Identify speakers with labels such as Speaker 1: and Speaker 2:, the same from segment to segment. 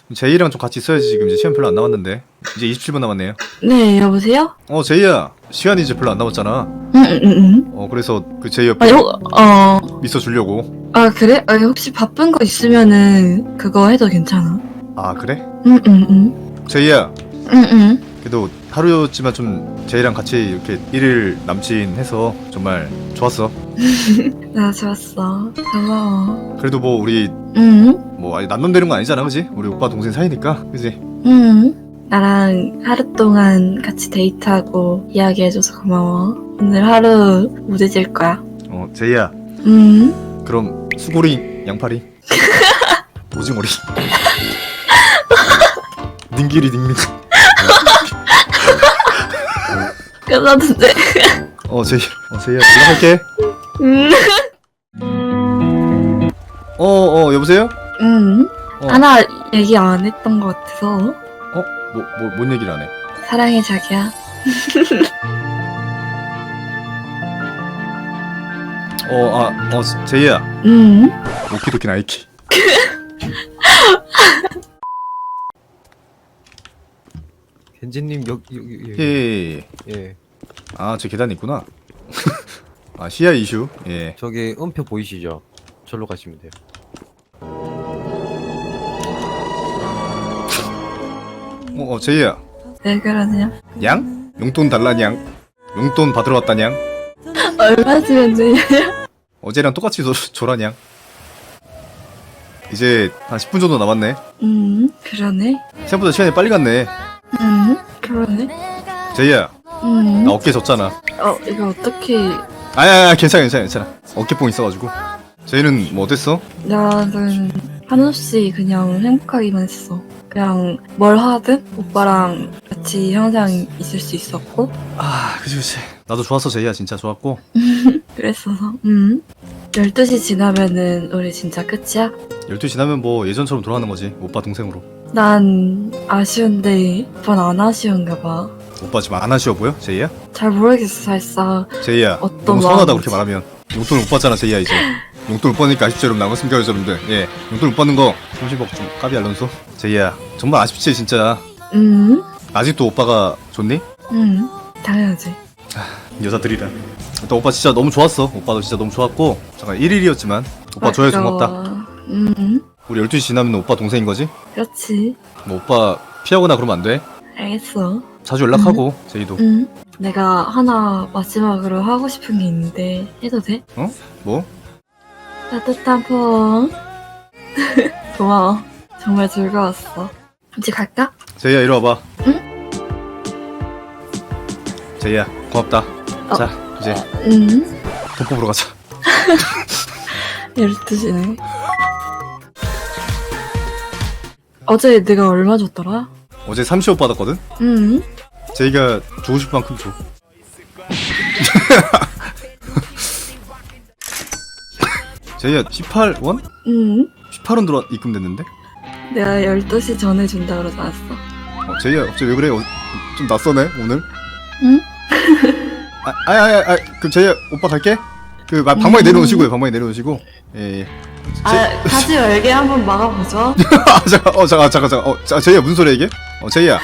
Speaker 1: 제이랑 좀 같이 있어야지. 지금 이제 시간 별로 안 남았는데. 이제 27분 남았네요.
Speaker 2: 네, 여보세요?
Speaker 1: 제이야, 시간이 이제 별로 안 남았잖아. 그래서 그 제이 옆에 있어 주려고.
Speaker 2: 아, 그래? 아, 혹시 바쁜 거 있으면은 그거 해도 괜찮아.
Speaker 1: 아, 그래?
Speaker 2: 응.
Speaker 1: 제이야, 그래도 하루였지만 좀 제이랑 같이 이렇게 1일 남친 해서 정말 좋았어.
Speaker 2: 나 좋았어. 고마워.
Speaker 1: 그래도 뭐 우리
Speaker 2: 응.
Speaker 1: 뭐 아니 남남되는 건 아니잖아, 그지? 우리 오빠 동생 사이니까, 그지?
Speaker 2: 나랑 하루 동안 같이 데이트하고 이야기해줘서 고마워. 오늘 하루 무뎌질 거야.
Speaker 1: 제이야,
Speaker 2: 응.
Speaker 1: 그럼 수고리, 양파리, 오징어리, 닝기리 닝닝.
Speaker 2: 끝났는데.
Speaker 1: 제이야, 연락할게. 여보세요?
Speaker 2: 하나 얘기 안 했던 것 같아서.
Speaker 1: 뭔 얘기를 안 해?
Speaker 2: 사랑해, 자기야.
Speaker 1: 제이야. 오키도키 나이키.
Speaker 3: 겐지님 여기
Speaker 1: 예. 저 계단에 있구나. 시야 이슈. 예.
Speaker 3: 저기 음표 보이시죠? 절로 가시면 돼요.
Speaker 1: 제이야.
Speaker 2: 왜 그러냐?
Speaker 1: 양? 용돈 달라냥. 용돈 받으러 왔다냥.
Speaker 2: 얼마 주면 되냐?
Speaker 1: 어제랑 똑같이 줘라냥. 이제 한 10분 정도 남았네.
Speaker 2: 그러네.
Speaker 1: 생각보다 시간이 빨리 갔네.
Speaker 2: 그러네.
Speaker 1: 제이야, 나 어깨 졌잖아.
Speaker 2: 이거 어떻게.
Speaker 1: 아야, 괜찮아. 어깨뽕 있어가지고. 제이는 뭐 어땠어?
Speaker 2: 나는 한없이 그냥 행복하기만 했어. 그냥 뭘 하든 오빠랑 같이 항상 있을 수 있었고.
Speaker 1: 그치. 나도 좋았어, 제이야. 진짜 좋았고.
Speaker 2: 그랬어서 12시 지나면은 우리 진짜 끝이야?
Speaker 1: 12시 지나면 뭐 예전처럼 돌아가는 거지. 오빠 동생으로.
Speaker 2: 난 아쉬운데 오빠는 안 아쉬운가 봐.
Speaker 1: 오빠 지금 안 아쉬워 보여? 제이야?
Speaker 2: 잘 모르겠어 살짝.
Speaker 1: 제이야,
Speaker 2: 어떤
Speaker 1: 너무 서운하다
Speaker 2: 마음인지.
Speaker 1: 그렇게 말하면. 용돈 못 받잖아, 제이야. 이제 용돈 못 받으니까 아쉽죠, 여러분. 나갔습니까, 여러분들? 예, 용돈 못 받는 거 30억 좀 까비 알론소. 제이야, 정말 아쉽지 진짜. 아직도 오빠가 좋니?
Speaker 2: 당연하지.
Speaker 1: 여자들이라. 일단 오빠 진짜 너무 좋았어. 오빠도 진짜 너무 좋았고. 잠깐 1일이었지만 오빠 좋아해서 고맙다. 우리 12시 지나면 오빠 동생인 거지?
Speaker 2: 그렇지.
Speaker 1: 뭐 오빠 피하거나 그러면 안 돼.
Speaker 2: 알겠어.
Speaker 1: 자주 연락하고. 제이도.
Speaker 2: 내가 하나 마지막으로 하고 싶은 게 있는데 해도 돼?
Speaker 1: 뭐?
Speaker 2: 따뜻한 포옹. 고마워. 정말 즐거웠어. 이제 갈까?
Speaker 1: 제이야, 이리 와봐. 제이야, 고맙다. 자, 이제 돈 뽑으러 가자.
Speaker 2: 12시네. 어제 내가 얼마 줬더라?
Speaker 1: 어제 30억 받았거든? 제이가 주고 싶은 만큼 줘. 제이야, 18원? 18원 입금됐는데?
Speaker 2: 내가 12시 전에 준다 그러지 않았어?
Speaker 1: 제이야, 갑자기 왜 그래? 좀 낯서네, 오늘?
Speaker 2: 응?
Speaker 1: 그럼 제이야, 오빠 갈게? 방망이 내려오시고요, 방망이 내려오시고. 예.
Speaker 2: 다시 열게 한번 막아보죠.
Speaker 1: 잠깐. 제이야, 무슨 소리야, 이게? 제이야.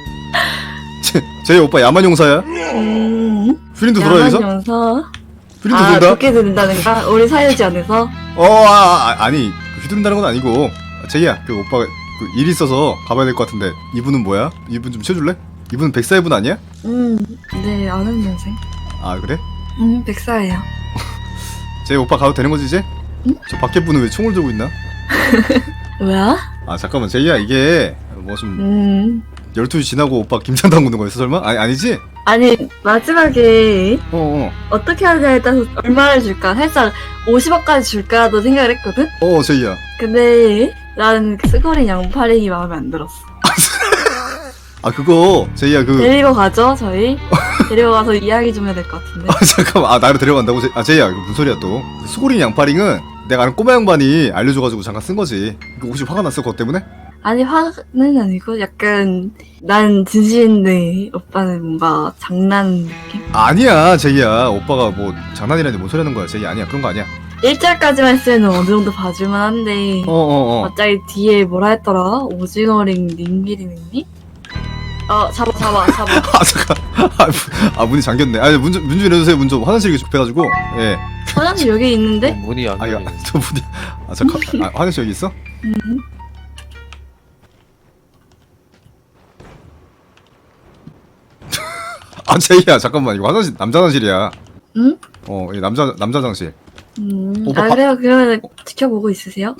Speaker 1: 제이야, 오빠 야만용사야? 휘린도 돌아, 여기서?
Speaker 2: 야만용사?
Speaker 1: 휘린도 돈다?
Speaker 2: 좋게 된다는가? 우리 사유지 안에서?
Speaker 1: 아니, 휘두른다는 건 아니고. 제이야, 오빠가 일 있어서 가봐야 될 것 같은데. 이분은 뭐야? 이분 좀 치워줄래? 이분은 백사이분 아니야?
Speaker 2: 네, 아는 동생.
Speaker 1: 아, 그래?
Speaker 2: 백사예요.
Speaker 1: 제이 오빠 가도 되는 거지, 이제? 저 밖에 분은 왜 총을 들고 있나?
Speaker 2: 뭐야?
Speaker 1: 잠깐만, 제이야, 이게 뭐 좀 12시 지나고 오빠 김장 담그는 거였어, 설마? 아니지?
Speaker 2: 아니, 마지막에 어떻게 하냐에 따라서 얼마를 줄까? 살짝 50억까지 줄까도 생각을 했거든?
Speaker 1: 제이야.
Speaker 2: 근데 나는 스거린 양파링이 마음에 안 들었어.
Speaker 1: 그거 제이야
Speaker 2: 데리고 가죠, 저희? 데리고 가서 이야기 좀 해야 될 것 같은데.
Speaker 1: 잠깐만, 나를 데려간다고? 제이야, 이거 무슨 소리야 또. 수고린 양파링은 내가 아는 꼬마 양반이 알려줘가지고 잠깐 쓴 거지. 이거 혹시 화가 났어, 그것 때문에?
Speaker 2: 아니, 화는 아니고 약간 난 진심인데 오빠는 뭔가 장난 느낌?
Speaker 1: 아니야, 제이야. 오빠가 뭐 장난이라니 뭔 소리 하는 거야. 제이 아니야, 그런 거 아니야.
Speaker 2: 1절까지만 쓰면 어느 정도 봐줄만 한데 갑자기 뒤에 뭐라 했더라? 오징어링 링기링님? 잡아
Speaker 1: 아 잠깐. 문이 잠겼네. 아니 문 좀 열어주세요. 문 좀 화장실이 급해가지고. 예.
Speaker 2: 화장실 여기 있는데?
Speaker 3: 문이 안
Speaker 1: 이거
Speaker 3: 열리네.
Speaker 1: 저 문이. 잠깐. 화장실 여기 있어? 제이야 잠깐만 이거 화장실 남자 화장실이야.
Speaker 2: 응?
Speaker 1: 이 남자 화장실. 오빠
Speaker 2: 그래요. 그러면 지켜보고 있으세요?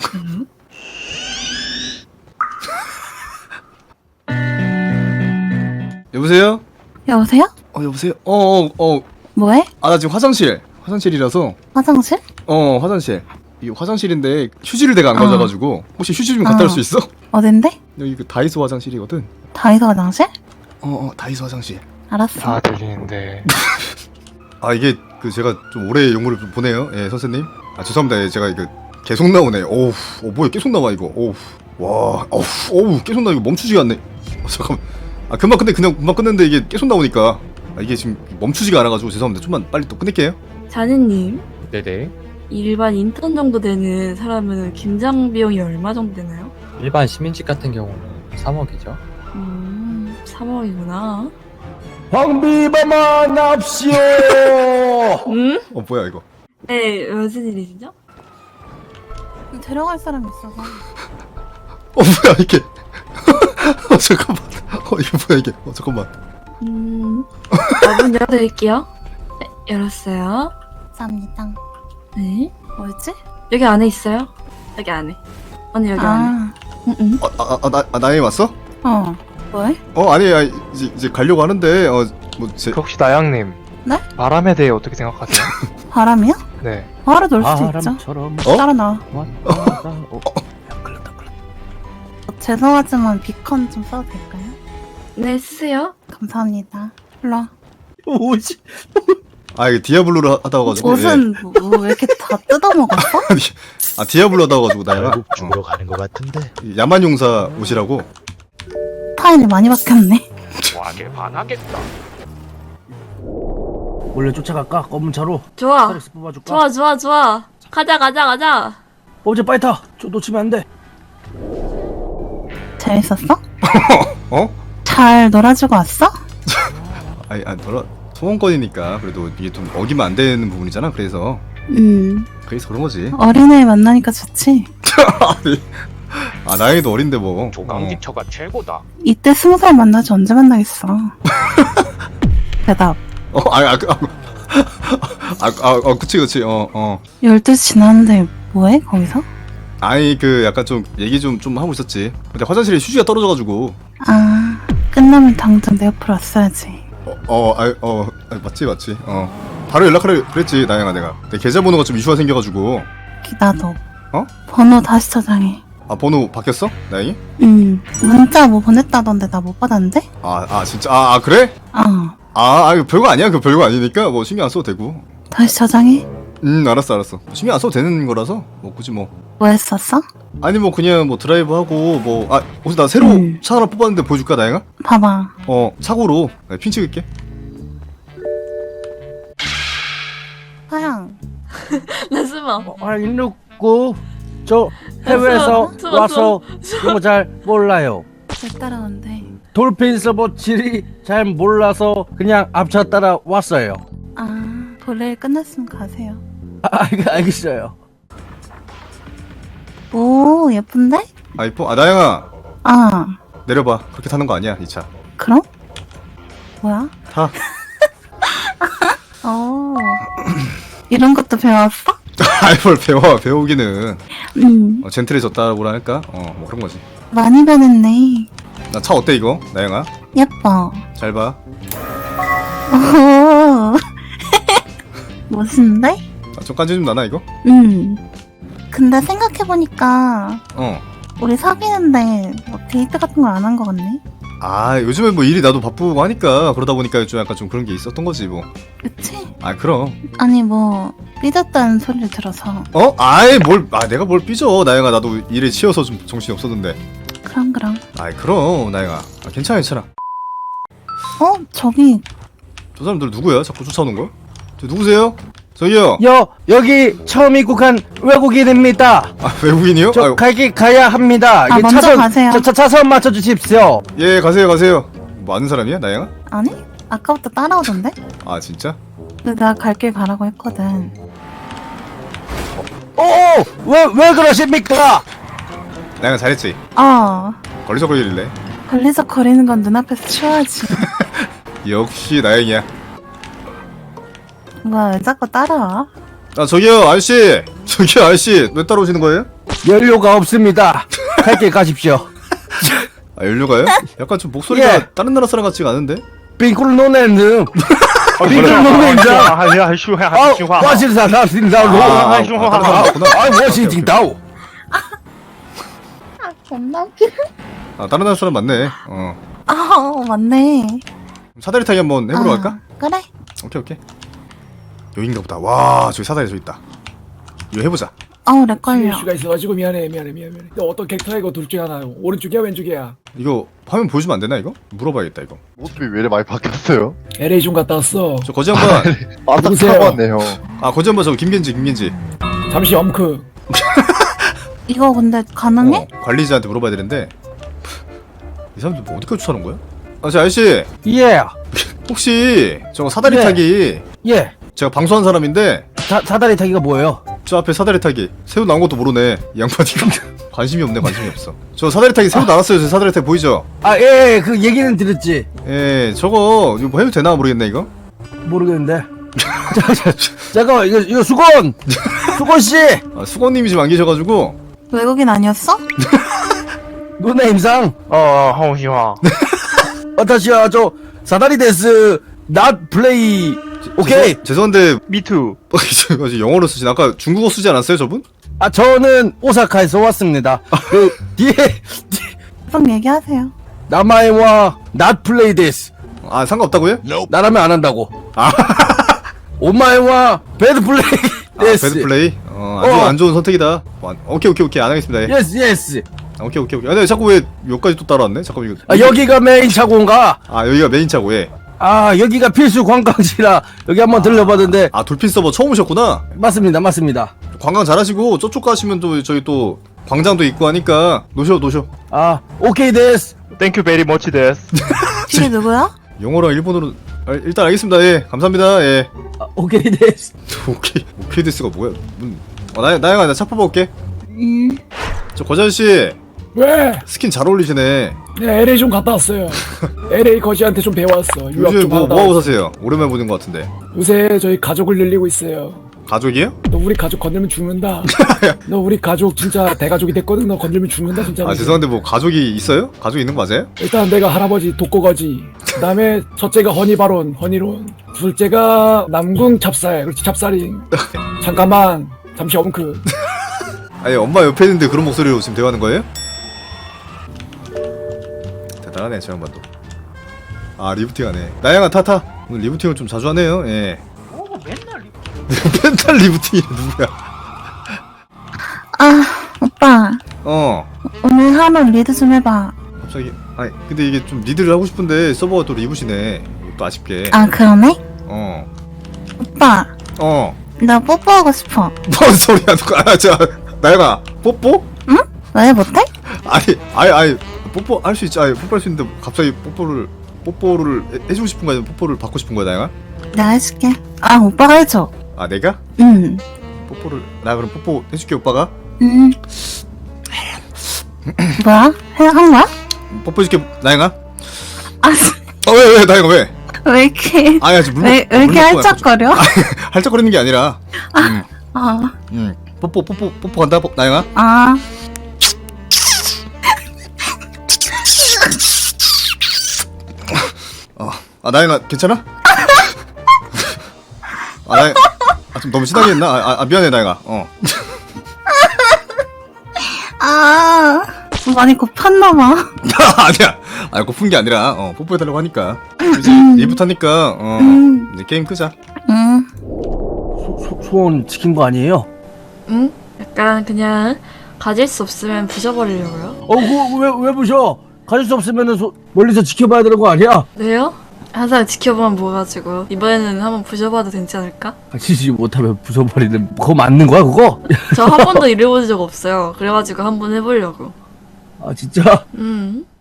Speaker 1: 여보세요?
Speaker 4: 여보세요?
Speaker 1: 여보세요?
Speaker 4: 뭐해?
Speaker 1: 나 지금 화장실이라서.
Speaker 4: 화장실?
Speaker 1: 화장실. 이 화장실인데 휴지를 내가 안 가져가지고 혹시 휴지 좀 갖다 줄 수 있어?
Speaker 4: 어딘데?
Speaker 1: 여기 그 다이소 화장실이거든.
Speaker 4: 다이소 화장실?
Speaker 1: 다이소 화장실.
Speaker 4: 알았어.
Speaker 5: 다 들리는데.
Speaker 1: 이게 그 제가 좀 오래 용어를 좀 보내요. 예, 선생님. 죄송합니다. 예, 제가 이거 계속 나오네. 뭐야 계속 나와 이거. 계속 나 이거 멈추지가 않네. 잠깐만. 금방 끝냈는데 이게 계속 나오니까 이게 지금 멈추지가 않아가지고 죄송합니다. 좀만 빨리 또 끝낼게요.
Speaker 2: 자네님,
Speaker 3: 네네.
Speaker 2: 일반 인턴 정도 되는 사람은 김장 비용이 얼마 정도 되나요?
Speaker 6: 일반 시민직 같은 경우는 3억이죠.
Speaker 2: 3억이구나.
Speaker 7: 황비범아 납시오.
Speaker 2: 응?
Speaker 1: 뭐야 이거.
Speaker 2: 네, 무슨 일이시죠?
Speaker 4: 데려갈 사람 있어서.
Speaker 1: 뭐야 이게. 잠깐만. 이거 뭐야 이게. 잠깐만.
Speaker 2: 문 열어드릴게요. 네, 열었어요.
Speaker 4: 감사합니다.
Speaker 2: 네.
Speaker 4: 뭐였지?
Speaker 2: 여기 안에 있어요. 여기 안에. 언니 여기 안에. 응.
Speaker 1: 나이 왔어?
Speaker 4: 뭐해?
Speaker 1: 아니 이제 가려고 하는데
Speaker 5: 혹시 나양님.
Speaker 4: 네?
Speaker 5: 바람에 대해 어떻게 생각하세요?
Speaker 4: 바람이요?
Speaker 5: 네.
Speaker 4: 바로 놀 수도 있죠.
Speaker 6: 바람처럼
Speaker 4: 따라 나와.
Speaker 6: 왔다. 걸렸다.
Speaker 4: 죄송하지만 비컨 좀 써도 될까요?
Speaker 2: 네, 쓰세요.
Speaker 4: 감사합니다. 일로 와.
Speaker 6: 오지.
Speaker 1: 이게 디아블로를 하다 와가지고.
Speaker 4: 옷은 왜 이렇게 다 뜯어먹었어?
Speaker 1: 디아블로 하다 와가지고 나야.
Speaker 7: 결국 죽으러 가는 것 같은데.
Speaker 1: 야만용사 옷이라고.
Speaker 4: 타일이 많이 바뀌었네.
Speaker 5: 와게 반하겠다.
Speaker 7: 원래 쫓아갈까? 검은 차로.
Speaker 2: 좋아.
Speaker 7: 스트레스 뽑아줄까?
Speaker 2: 좋아. 가자.
Speaker 7: 어제 빨리 타. 저 놓치면 안 돼.
Speaker 4: 재밌었어?
Speaker 1: 어?
Speaker 4: 잘 놀아주고 왔어?
Speaker 1: 소원권이니까 그래도 이게 좀 어기면 안 되는 부분이잖아. 그래서 그런 거지.
Speaker 4: 어린애 만나니까 좋지.
Speaker 1: 나이도 어린데 뭐.
Speaker 5: 조강기처가 최고다.
Speaker 4: 이때 20살 만나지 언제 만나겠어. 대답.
Speaker 1: 그치.
Speaker 4: 12시 지났는데 뭐해 거기서?
Speaker 1: 약간 좀 얘기 좀 하고 있었지. 근데 화장실에 휴지가 떨어져가지고.
Speaker 4: 끝나면 당장 내 옆으로 왔어야지.
Speaker 1: 맞지. 바로 연락하려 그랬지, 나영아 내가. 내 계좌번호가 좀 이슈가 생겨가지고.
Speaker 4: 나도.
Speaker 1: 어?
Speaker 4: 번호 다시 저장해.
Speaker 1: 번호 바뀌었어? 나영이?
Speaker 4: 문자 뭐 보냈다던데 나 못 받았는데?
Speaker 1: 진짜. 그래? 이거 별거 아니야. 그거 별거 아니니까 뭐 신경 안 써도 되고.
Speaker 4: 다시 저장해.
Speaker 1: 알았어. 신경 안 써도 되는 거라서 뭐 굳이 뭐.
Speaker 4: 뭐 했었어?
Speaker 1: 아니 뭐 그냥 뭐 드라이브 하고 혹시 나 새로 차 하나 뽑았는데 보여줄까 나영아?
Speaker 4: 봐봐.
Speaker 1: 차고로 핀 찍을게.
Speaker 4: 하양.
Speaker 2: 나 숨어.
Speaker 7: 169. 저 해외에서
Speaker 2: 숨어.
Speaker 7: 와서 영어 잘 몰라요.
Speaker 4: 왜 따라온대?
Speaker 7: 돌핀 서버 질이 잘 몰라서 그냥 앞차 따라 왔어요.
Speaker 4: 볼일 끝났으면 가세요.
Speaker 7: 알겠어요.
Speaker 4: 오, 예쁜데?
Speaker 1: 이뻐. 나영아 내려봐. 그렇게 타는 거 아니야 이 차.
Speaker 4: 그럼? 뭐야?
Speaker 1: 타.
Speaker 4: 이런 것도 배웠어?
Speaker 1: 뭘 배우기는.
Speaker 4: 응.
Speaker 1: 젠틀해졌다고 할까? 뭐 그런 거지.
Speaker 4: 많이 변했네.
Speaker 1: 나 차 어때 이거? 나영아?
Speaker 4: 예뻐.
Speaker 1: 잘 봐.
Speaker 4: 오. 멋있는데?
Speaker 1: 좀 깐지 좀 나나 이거?
Speaker 4: 근데 생각해보니까 우리 사귀는데 뭐 데이트 같은 걸 안 한 거 같네?
Speaker 1: 요즘에 뭐 일이 나도 바쁘고 하니까 그러다 보니까 좀 약간 좀 그런 게 있었던 거지 뭐.
Speaker 4: 그치?
Speaker 1: 그럼.
Speaker 4: 아니 뭐 삐졌다는 소리를 들어서.
Speaker 1: 내가 뭘 삐져. 나영아 나도 일에 치여서 좀 정신이 없었는데.
Speaker 4: 그럼
Speaker 1: 그럼 나영아. 괜찮아.
Speaker 4: 저기
Speaker 1: 저 사람들 누구야? 자꾸 쫓아오는 거야? 저 누구세요? 저기요.
Speaker 7: 여기 처음 입국한 외국인입니다.
Speaker 1: 아, 외국인이요?
Speaker 7: 저
Speaker 1: 아유,
Speaker 7: 갈길 가야 합니다.
Speaker 4: 아,
Speaker 7: 이게
Speaker 4: 먼저 가세요.
Speaker 7: 차선 맞춰 주십시오.
Speaker 1: 예, 가세요. 뭐 아는 사람이야, 나영아?
Speaker 4: 아니? 아까부터 따라오던데?
Speaker 1: 아, 진짜?
Speaker 4: 근데 나 갈 길 가라고 했거든.
Speaker 7: 왜 그러십니까?
Speaker 1: 나영아 잘했지? 걸리적거리길래.
Speaker 4: 걸리서 거리는 건 눈앞에서 치워야지.
Speaker 1: 역시 나영이야.
Speaker 4: 뭐야, 왜 자꾸 따라와?
Speaker 1: 아, 저기요, 아저씨. 왜 따라오시는 거예요?
Speaker 7: 연료가 없습니다. 갈 길 가십시오.
Speaker 1: 아, 연료가요? 약간 좀 목소리가
Speaker 7: 예.
Speaker 1: 다른 나라 사람 같지가 않은데?
Speaker 7: 빙kur을 놓는 빙kur을 놓는 와신사사신다로 워싱팅다오.
Speaker 4: 겁나 웃기네.
Speaker 1: 아, 다른 나라 사람 맞네.
Speaker 4: 맞네.
Speaker 1: 사다리 타기 한번 해보러 갈까?
Speaker 4: 그래.
Speaker 1: 오케이. 여긴가 보다. 와, 저기 사다리 저기 있다. 이거 해보자.
Speaker 4: 렉 걸려.
Speaker 8: 수가 있어가지고 미안해. 너 어떤 캐릭터야 이거 둘 중에 하나. 오른쪽이야 왼쪽이야?
Speaker 1: 이거 화면 보여주면 안 되나 이거? 물어봐야겠다 이거.
Speaker 9: 모습이 왜 이렇게 많이 바뀌었어요?
Speaker 8: LA 좀 갔다 왔어.
Speaker 1: 저 거지 한번.
Speaker 8: 누구세요?
Speaker 9: 왔네요.
Speaker 1: 아, 거지 한번 저 김겐지.
Speaker 8: 잠시 엄크.
Speaker 4: 이거 근데 가능해?
Speaker 1: 관리자한테 물어봐야 되는데. 이 사람들 뭐 어디까지 추천하는 거야? 아, 저 아저씨.
Speaker 7: 예.
Speaker 1: 혹시 저거 사다리
Speaker 7: 네.
Speaker 1: 타기.
Speaker 7: 예.
Speaker 1: 제가 방송한 사람인데
Speaker 7: 사다리 타기가 뭐예요?
Speaker 1: 저 앞에 사다리 타기 새우 나온 것도 모르네 이 양반이가. 관심이 없어. 저 사다리 타기 새우 나왔어요. 저 사다리 타기 보이죠?
Speaker 7: 예, 그 얘기는 들었지.
Speaker 1: 예, 저거 이거 뭐 해도 되나 모르겠네 이거.
Speaker 7: 모르겠는데. 잠깐만, 이거 수건 씨.
Speaker 1: 아, 수건님이 지금 안 계셔가지고.
Speaker 4: 외국인 아니었어?
Speaker 7: 누나 임상.
Speaker 5: 홍시화.
Speaker 7: 다시야 저 사다리 데스 not play. 오케이.
Speaker 1: 죄송한데
Speaker 5: 미투.
Speaker 1: 저 영어로 쓰신 아까 중국어 쓰지 않았어요 저분?
Speaker 7: 저는 오사카에서 왔습니다. 그 뒤에
Speaker 4: 좀 얘기하세요.
Speaker 7: 남아이와 not play this.
Speaker 1: 아, 상관없다고요?
Speaker 7: 나라면 안 한다고. 오마이와 bad play
Speaker 1: 아,
Speaker 7: this.
Speaker 1: 배드 플레이? 안 좋은 선택이다. 오케이 안 하겠습니다. 예.
Speaker 7: yes.
Speaker 1: 오케이. 아, 근데 자꾸 왜 여기까지 또 따라왔네? 잠깐만 이거.
Speaker 7: 여기가 메인 차고인가?
Speaker 1: 여기가 메인 차고. 예.
Speaker 7: 여기가 필수 관광지라 여기 한번 들려봤는데.
Speaker 1: 돌핀 서버 처음 오셨구나.
Speaker 7: 맞습니다.
Speaker 1: 관광 잘하시고 저쪽 가시면 또 저기 또 광장도 있고 하니까 노셔.
Speaker 7: 오케이 데스.
Speaker 5: 땡큐 베리 머치 데스.
Speaker 4: 뒤에 누구야?
Speaker 1: 영어랑 일본어로 일단 알겠습니다. 예, 감사합니다. 예.
Speaker 7: 오케이 데스.
Speaker 1: 오케이 데스가 뭐야? 나영아 나 차 뽑아올게. 저 거자씨
Speaker 8: 왜?
Speaker 1: 스킨 잘 어울리시네.
Speaker 8: 네, LA 좀 갔다 왔어요. LA 거지한테 좀 배워왔어. 유학
Speaker 1: 요즘
Speaker 8: 좀 하다.
Speaker 1: 뭐 하고 사세요? 오랜만에 보는 것 같은데.
Speaker 8: 요새 저희 가족을 늘리고 있어요.
Speaker 1: 가족이에요?
Speaker 8: 너 우리 가족 건들면 죽는다. 너 우리 가족 진짜 대가족이 됐거든. 너 건들면 죽는다 진짜.
Speaker 1: 죄송한데 뭐 가족이 있어요? 가족이 있는 거 맞아요?
Speaker 8: 일단 내가 할아버지 독고거지. 그다음에 첫째가 허니바론, 허니론. 둘째가 남궁 찹쌀. 그렇지 찹쌀인. 잠깐만. 잠시 엄크.
Speaker 1: 아니 엄마 옆에 있는데 그런 목소리로 지금 대화하는 거예요? 대단하네 저 양반도. 리부팅하네. 나영아 타타. 오늘 리부팅을 좀 자주 하네요. 예. 맨날 리부팅이 누구야?
Speaker 4: 오빠. 오늘 하루 리드 좀 해봐.
Speaker 1: 갑자기 근데 이게 좀 리드를 하고 싶은데 서버가 또 리부시네. 또 아쉽게.
Speaker 4: 그러네? 오빠. 나 뽀뽀하고 싶어.
Speaker 1: 뭔 소리야 누가? 나영아 뽀뽀?
Speaker 4: 응? 왜 못해?
Speaker 1: 아니 뽀뽀 할 수 있지. 뽀뽀할 수 있는데 갑자기 뽀뽀를 해주고 싶은 거야? 뽀뽀를 받고 싶은 거야 나영아?
Speaker 4: 내가 해줄게. 오빠가 해줘.
Speaker 1: 내가?
Speaker 4: 응.
Speaker 1: 뽀뽀를 나 그럼 뽀뽀 해줄게 오빠가.
Speaker 4: 응. 뭐야? 한 거야?
Speaker 1: 뽀뽀 해줄게 나영아.
Speaker 4: 왜
Speaker 1: 나영아 왜?
Speaker 4: 왜 이렇게 왜 이렇게 할짝거려?
Speaker 1: 할짝거리는 게 아니라. 뽀뽀 간다 나영아. 나영아 괜찮아? 나영아 좀 너무 신나게 했나? 미안해 나영아.
Speaker 4: 많이 고팠나봐.
Speaker 1: 아니야. 고픈 게 아니라 뽀뽀해달라고 하니까 이제 일부터 하니까 이제 게임 끄자.
Speaker 7: 소원 지킨 거 아니에요?
Speaker 2: 응? 약간 그냥 가질 수 없으면 부셔버리려고요.
Speaker 7: 왜 부셔? 가질 수 없으면은 멀리서 지켜봐야 되는 거 아니야?
Speaker 2: 왜요? 항상 지켜보면 뭐가지고 이번에는 한번 부셔봐도 되지 않을까?
Speaker 7: 지지 못하면 부숴버리는 그거 맞는 거야 그거?
Speaker 2: 저 한 번도 일해본 적 없어요. 그래가지고 한번 해보려고.
Speaker 7: 아 진짜?
Speaker 2: 음.